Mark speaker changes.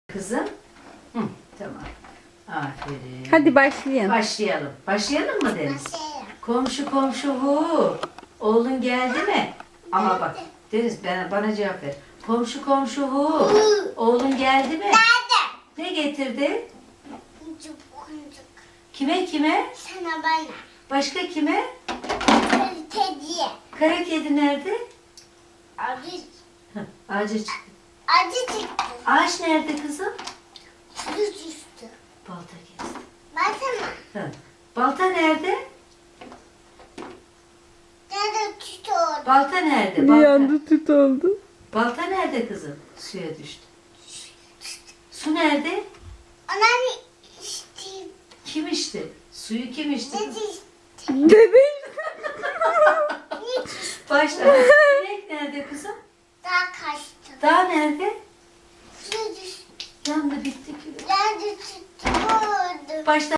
Speaker 1: Kızım. Hı, tamam. Aferin.
Speaker 2: Hadi başlayalım.
Speaker 1: Başlayalım. Başlayalım mı Deniz?
Speaker 3: Başlayalım.
Speaker 1: Komşu komşu hu. Oğlun geldi mi? Ama bak Deniz bana cevap ver. Komşu komşu hu. Oğlun geldi mi?
Speaker 3: Nerede?
Speaker 1: Ne getirdi?
Speaker 3: Kuncuk kuncuk.
Speaker 1: Kime?
Speaker 3: Sana bana.
Speaker 1: Başka kime?
Speaker 3: Kediye.
Speaker 1: Kara kedi nerede?
Speaker 3: Acı.
Speaker 1: Hı, ağaca çıktı.
Speaker 3: Acı çıktı.
Speaker 1: Ağaç nerede kızım?
Speaker 3: Su düştü.
Speaker 1: Balta kesti.
Speaker 3: Baksana.
Speaker 1: Hı. Balta nerede?
Speaker 3: Nerede tutuyor?
Speaker 1: Balta nerede?
Speaker 2: Bir
Speaker 1: Balta.
Speaker 2: anda tüt oldu.
Speaker 1: Balta nerede kızım? Suya düştü. Su nerede?
Speaker 3: Ona içti.
Speaker 1: Kim içti? Suyu kim içti?
Speaker 3: Ne
Speaker 1: kızım?
Speaker 3: içti?
Speaker 2: Bebek.
Speaker 1: Başla. İnek nerede kızım?
Speaker 3: Daha kaçtı.
Speaker 1: Dağ nerede?
Speaker 3: Su düştü.
Speaker 1: Yandı bitti ki.
Speaker 3: Nerede tutuyordu?
Speaker 1: Başla.